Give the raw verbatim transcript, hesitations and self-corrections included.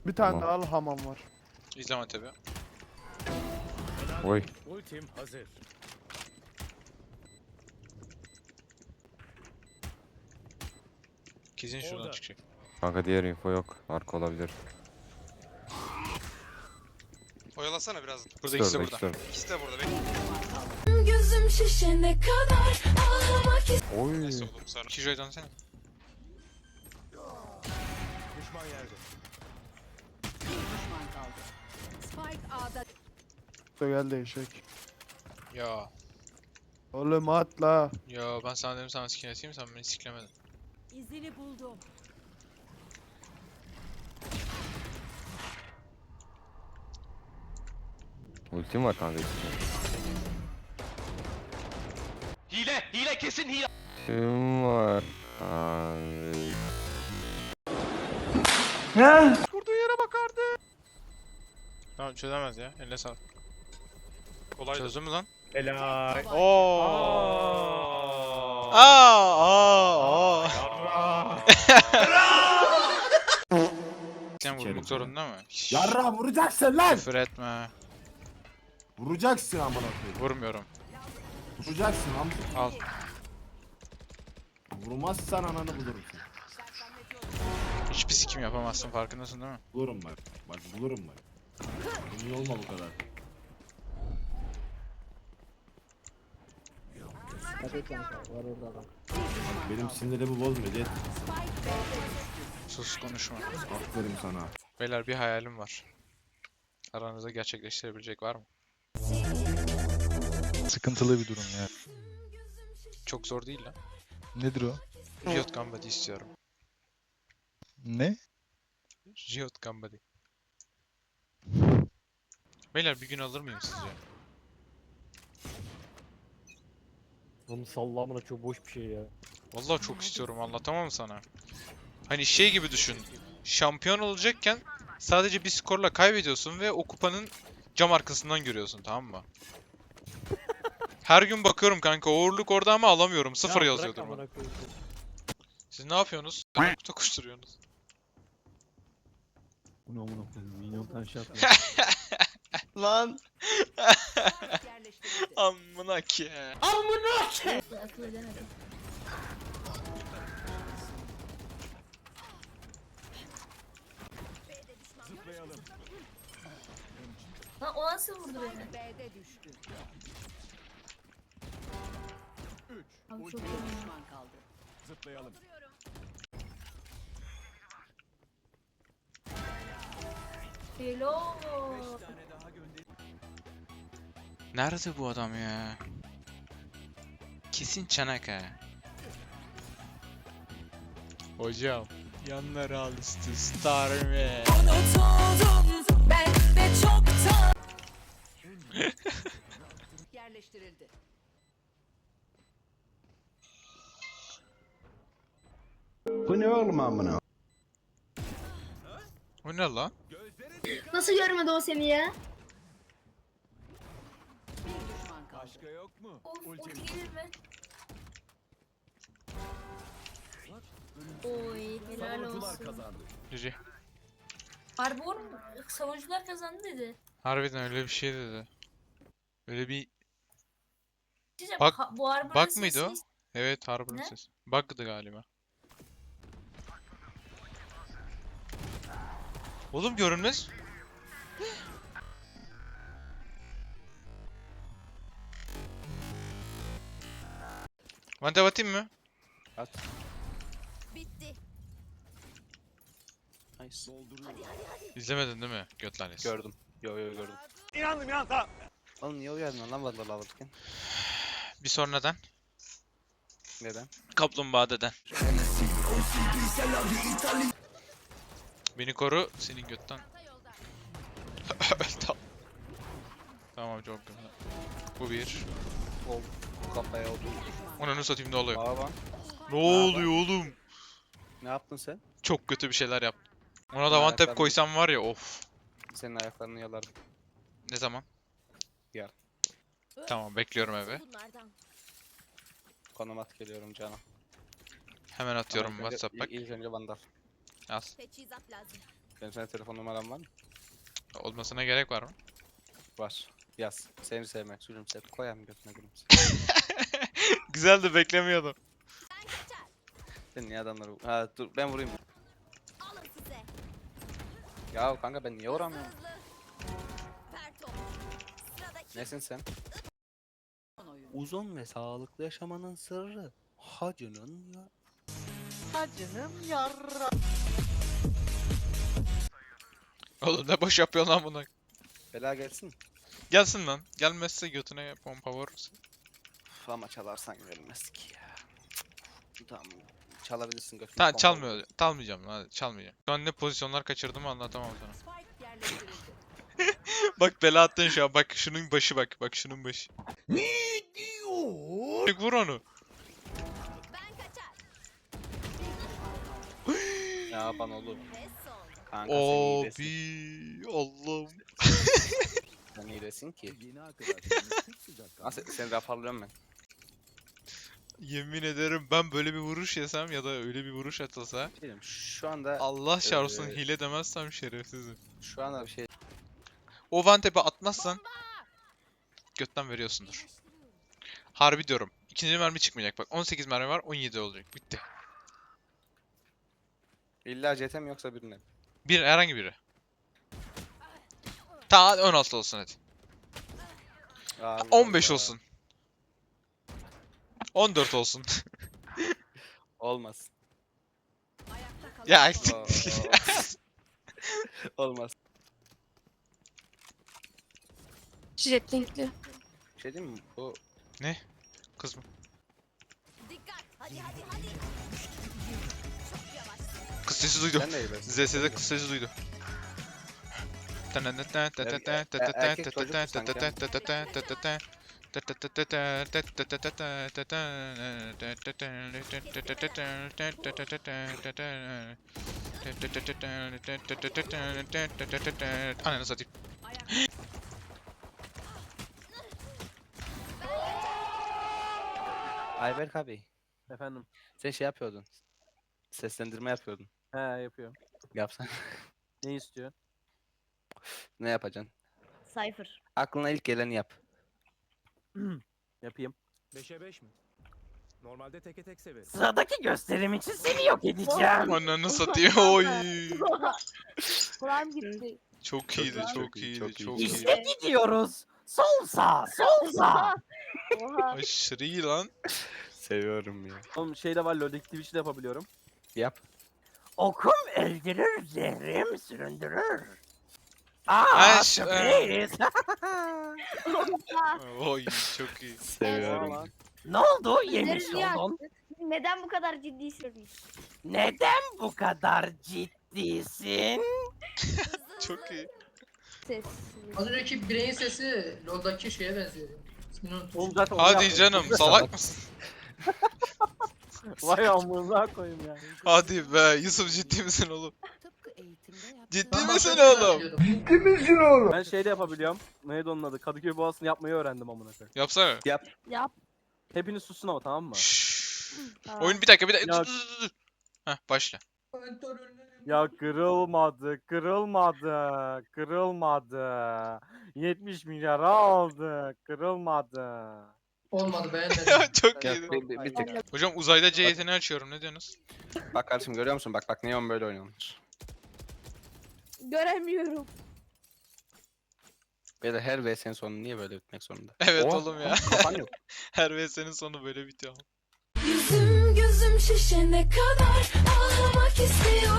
Bir tane Tamam. daha al, hamam var. İzleme tabi. Oy. Ultim hazır. Kesin şuradan Orada. çıkacak. Kanka diğer info yok. Arka olabilir. Oyalasana biraz. Burada ikisi de İkisi burada. de orada. İkisi de burada. Bekle. Gözüm şişene kadar ağlamak Oy. Neyse oğlum sonra. İki şuraya dönsene. Düşman yerde. Düşman kaldı. Spike A'da. Da geldi eşek. Ya. Oğlum atla. Ya ben sana dedim sana skin atayım, sen beni siklemedin. İzini buldum. Ultim var kanka. Hile! Hile! Kesin hile! Ultim var. Ay. Vurduğu yere bakardı. Tamam çözemez ya. Eline sağlık. Kolay. Çözdün mü lan? Helal. Oo. Aa. Aa, aa, aa. Sen vurmak zorunda mı? Şşş, Yarra vuracaksın lan. küfür etme. Vuracaksın amına koyayım. Vurmuyorum. Vuracaksın lan. Al. Vurmazsan ananı bulurum seni. Hiçbir sikim yapamazsın, farkındasın değil mi? Bulurum bak. Bak bulurum bak. Emin olma bu kadar. Benim sinirimi bozma Jet. Sus, konuşma. Aferin sana. Beyler, bir hayalim var. Aranızda gerçekleştirebilecek var mı? Sıkıntılı bir durum ya. Çok zor değil lan. Nedir o? Riot Gambadi istiyorum. Ne? Riot Gambadi. Beyler, bir gün alır mıyım sizce? Oğlum sallamına çok boş bir şey ya. Vallahi çok istiyorum, anlatamam sana. Hani şey gibi düşün. Şampiyon olacakken sadece bir skorla kaybediyorsun ve o kupanın cam arkasından görüyorsun, tamam mı? Her gün bakıyorum kanka, uğurluk orada ama alamıyorum. Sıfır yazıyordur bana. Siz ne yapıyorsunuz? Nokta koşturuyorsunuz. Bu ne amına koyayım? Minyon pençe atma. Lan yerleştirildi. amına ki. akıl edemedim. Lan o nasıl vurdu beni? B'de düştü. Abi Bir çok iyi. düşman kaldı. Zıplayalım. Hello. Nerede bu adam ya? Kesin Çanakkale. Hocam, yanları al üstü star mı? Ben de çoktan. Yerleştirildi. Bu ne oğlum amına? O ne lan? Nasıl görmedi o seni ya? Bir düşman kaldı. Başka yok mu? Of Ultim. ulti gelir mi? Oy helal Savunucular olsun. kazandı. Cici. Harbi oğlum savunucular kazandı dedi. Harbiden öyle bir şey dedi. Öyle bir... Diyeceğim, Bak- ha- bu Harbor'un Bak mıydı o? sesi- Evet, Harbor'un Ne? sesi. Bug'dı galiba. Oğlum görünmez. Vante atayım mı? Bitti. İzlemedin değil mi? Göt lanesi. Gördüm. Yo yo gördüm. Oğlum niye uyardın lan vallahi alırken? Bir sonradan. Neden? Kaplumbağa deden. Beni koru, senin götten. tamam. Tamam, çok güzel. Bu bir. Ol. Kafaya oldu. Onu satayım, ne oluyor? Baba Ne oluyor oğlum? ne yaptın sen? Çok kötü bir şeyler yaptım. Ona da Ben one tap ayaklarını- koysam var ya, of. Senin ayaklarını yalardım. Ne zaman? Yarın. Tamam, bekliyorum eve. Bunlardan. Konum at geliyorum canım. Hemen atıyorum Ama ilk önce- WhatsApp bak. İlk önce vandal. Az. Teçhizat lazım. Benim sana telefon numaram var mı? Olmasına gerek var mı? Var. Yaz. Seni sevmek, gülümse. Koyam götüne gülümse. Güzel de beklemiyordum. Sen niye adamları... Ha dur ben vurayım. Alın size. Ya kanka ben niye vuramıyorum? Perto. Sıradaki Nesin sen? son oyun. Uzun ve sağlıklı yaşamanın sırrı. Hacının ya. Oğlum ne boş yapıyorsun lan bunu? Bela gelsin. Gelsin lan. Gelmezse götüne pompa vurursun. Uf, ama çalarsan gelmez ki ya. Cık. Tamam. Çalabilirsin götüne. Tamam pompa çalmıyor. vurursun. Çalmayacağım lan. Çalmayacağım. Şu an ne pozisyonlar kaçırdığımı anlatamam sana. Spike yerleştirildi. Bak bela attın şu an. Bak şunun başı bak. Bak şunun başı. Ne diyor? Vur onu. Ben kaçar. Ne yapan oğlum? Ve son. Kanka sen iyilesin. Abi Allah'ım. Sen iyilesin ki. Nasıl seni raporluyorum ben. Yemin ederim ben böyle bir vuruş yesem ya da öyle bir vuruş atılsa Bilmiyorum, şu anda Allah çarpsın Ee, hile demezsem şerefsizim. şu anda bir şey O one tap'e atmazsan götten veriyorsundur. Harbi diyorum. İkinci mermi çıkmayacak bak. on sekiz mermi var, on yedi olacak. Bitti. illa C T mi yoksa birine mi? Bir herhangi biri. Ta on altı olsun hadi. Allah on beş Allah. olsun. on dört olsun. Olmaz. Ayakta kalan Ya son siktir. Olmaz. Jet linkli. Bir şey diyeyim mi? Bu Kız mı? Dikkat. Hadi hadi hadi. Çok yavaş. Kız sesi duydu. sen de iyilesin. Z S'de kız sesi duydu. Ananı satayım. Ayakta Ayberk abi. Efendim. Sen şey yapıyordun. Seslendirme yapıyordun. He yapıyorum. Yapsan. Ne istiyorsun? Ne yapacaksın? Cypher. Aklına ilk geleni yap. Yapayım. beşe beş mi? Normalde teke tek severim. Sıradaki gösterim için seni yok edeceğim. Ananı satayım. Oy. Kulağım gitti. Çok iyiydi, Çok çok iyi, iyiydi, çok iyi. çok iyi. İşte gidiyoruz. Sol sağ, sol sağ. Oha. Aşırı iyi lan. Seviyorum ya. Oğlum şey de var, LoL'deki Twitch'i de yapabiliyorum. Yap. Okum öldürür, zehrim süründürür. Ay, Aa, şu- sürpriz. Oy çok iyi. Seviyorum. Ne oldu? Yemiş Bizleri niye oldun. Neden bu kadar ciddi söylüyorsun? Neden bu kadar ciddisin? Çok iyi. Ses. Az önceki bireyin sesi LoL'daki şeye benziyor. İsmini unuttum. Oğlum zaten onu Hadi yaptım. canım, salak mısın? Vay amına koyayım ya. Hadi be, Yusuf ciddi misin oğlum? tıpkı eğitimde yaptığı Ciddi Ben misin başka oğlum? biliyordum. Ben şey de yapabiliyorum. Neydi onun adı? Kadıköy Boğazı'nı yapmayı öğrendim amına koyayım. Yapsana. Yap. Hepiniz susun ama tamam mı? Şşş. Tamam. Oyun bir dakika, bir dakika. Ya- Dur, dur, dur, dur. Heh, başla. Ya kırılmadı, kırılmadı, kırılmadı. yetmiş milyar aldı, kırılmadı. Olmadı beğenmedim. Çok Ya, iyiydi. bir, bir, bir tık. Hocam uzayda C yeteneği açıyorum, ne diyorsunuz? Bak kardeşim görüyor musun? Bak bak Neon böyle oynuyormuş. Göremiyorum. Böyle her V S'nin sonu niye böyle bitmek zorunda? Evet Oh, oğlum ya. Kafan yok. Her V S'nin sonu böyle bitiyor. Yüzüm gözüm şişene kadar ağlamak istiyorum.